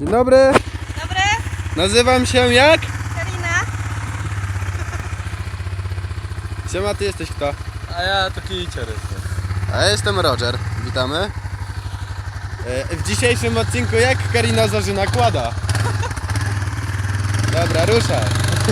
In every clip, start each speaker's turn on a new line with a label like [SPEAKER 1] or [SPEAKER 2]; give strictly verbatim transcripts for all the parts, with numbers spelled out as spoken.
[SPEAKER 1] Dzień dobry.
[SPEAKER 2] Dobry.
[SPEAKER 1] Nazywam się jak?
[SPEAKER 2] Karina.
[SPEAKER 1] Siema, ty jesteś kto?
[SPEAKER 3] A ja to kicior jestem.
[SPEAKER 1] A ja jestem Roger. Witamy. E, W dzisiejszym odcinku jak Karina zażyna kłada? Dobra, ruszaj.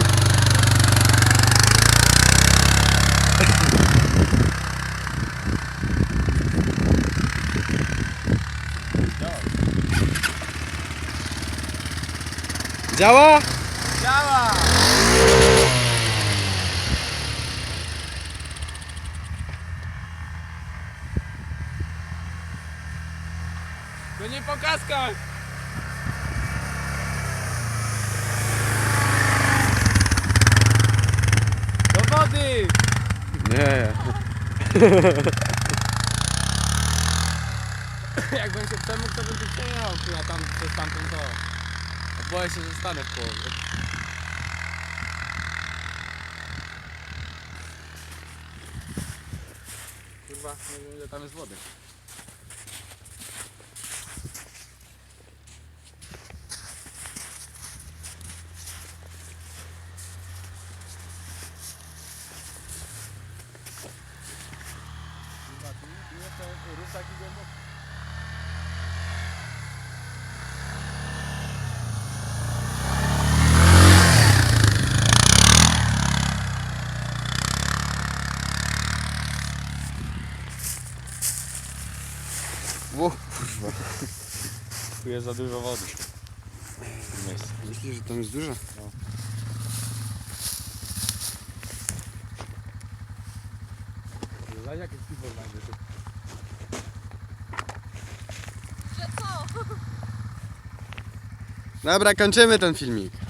[SPEAKER 1] Działa?
[SPEAKER 3] Działa! To nie po kaskach! Do wody!
[SPEAKER 1] Nie.
[SPEAKER 3] Jakbym się przemógł, to bym tu przejechał, kurwa, tam przez tamtą to. A boję się, że stanę w połowie. Kurwa, nie wiem ile tam jest wody. Kurwa, tu tu jest to rów taki głęboki.
[SPEAKER 1] O, kurwa.
[SPEAKER 3] Tu jest za dużo wody.
[SPEAKER 1] Myślisz, że tam jest dużo?
[SPEAKER 3] No. Zobacz jakie piwo znajdzie tu.
[SPEAKER 2] Że co?
[SPEAKER 1] Dobra, kończymy ten filmik.